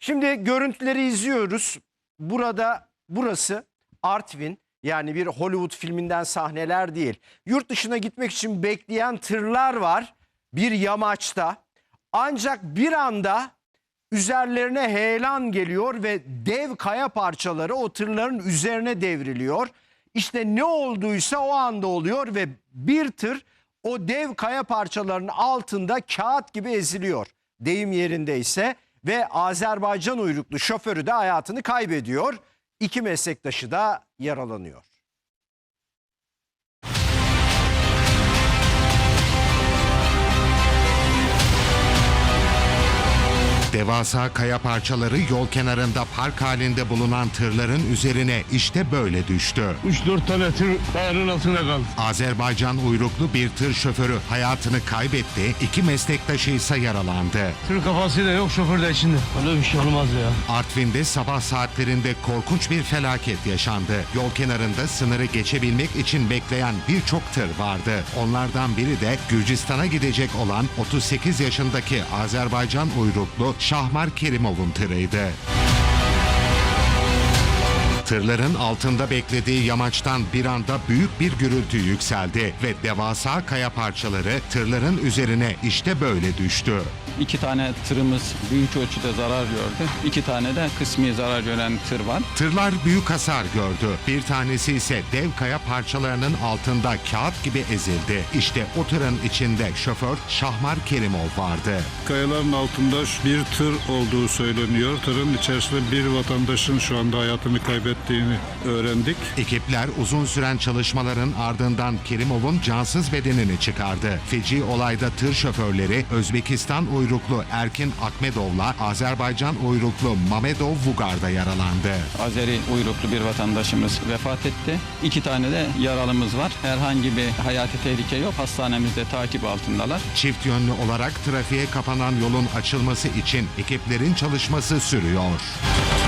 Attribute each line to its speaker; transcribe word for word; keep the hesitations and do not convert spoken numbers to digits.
Speaker 1: Şimdi görüntüleri izliyoruz. Burada burası Artvin, yani bir Hollywood filminden sahneler değil. Yurt dışına gitmek için bekleyen tırlar var bir yamaçta. Ancak bir anda üzerlerine heyelan geliyor ve dev kaya parçaları o tırların üzerine devriliyor. İşte ne olduysa o anda oluyor ve bir tır o dev kaya parçalarının altında kağıt gibi eziliyor. Deyim yerindeyse ve Azerbaycan uyruklu şoförü de hayatını kaybediyor. İki meslektaşı da yaralanıyor.
Speaker 2: Devasa kaya parçaları yol kenarında park halinde bulunan tırların üzerine işte böyle düştü.
Speaker 3: üç dört tane tır kayanın altında kaldı.
Speaker 2: Azerbaycan uyruklu bir tır şoförü hayatını kaybetti, iki meslektaşı ise yaralandı.
Speaker 3: Tır kafası da yok, şoför de içinde. Öyle bir şey olmaz ya.
Speaker 2: Artvin'de sabah saatlerinde korkunç bir felaket yaşandı. Yol kenarında sınırı geçebilmek için bekleyen birçok tır vardı. Onlardan biri de Gürcistan'a gidecek olan otuz sekiz yaşındaki Azerbaycan uyruklu Şahmar Kerimov'un tırıydı. Tırların altında beklediği yamaçtan bir anda büyük bir gürültü yükseldi ve devasa kaya parçaları tırların üzerine işte böyle düştü.
Speaker 4: İki tane tırımız büyük ölçüde zarar gördü. İki tane de kısmi zarar gören tır var.
Speaker 2: Tırlar büyük hasar gördü. Bir tanesi ise dev kaya parçalarının altında kağıt gibi ezildi. İşte o tırın içinde şoför Şahmar Kerimov vardı.
Speaker 5: Kayaların altında bir tır olduğu söyleniyor. Tırın içerisinde bir vatandaşın şu anda hayatını kaybettiğini öğrendik.
Speaker 2: Ekipler uzun süren çalışmaların ardından Kerimov'un cansız bedenini çıkardı. Feci olayda tır şoförleri Özbekistan uyruklu Erkin Akmedov'la Azerbaycan uyruklu Mamedov Vugar'da yaralandı.
Speaker 4: Azeri uyruklu bir vatandaşımız vefat etti. İki tane de yaralımız var. Herhangi bir hayati tehlike yok. Hastanemizde takip altındalar.
Speaker 2: Çift yönlü olarak trafiğe kapanan yolun açılması için ekiplerin çalışması sürüyor.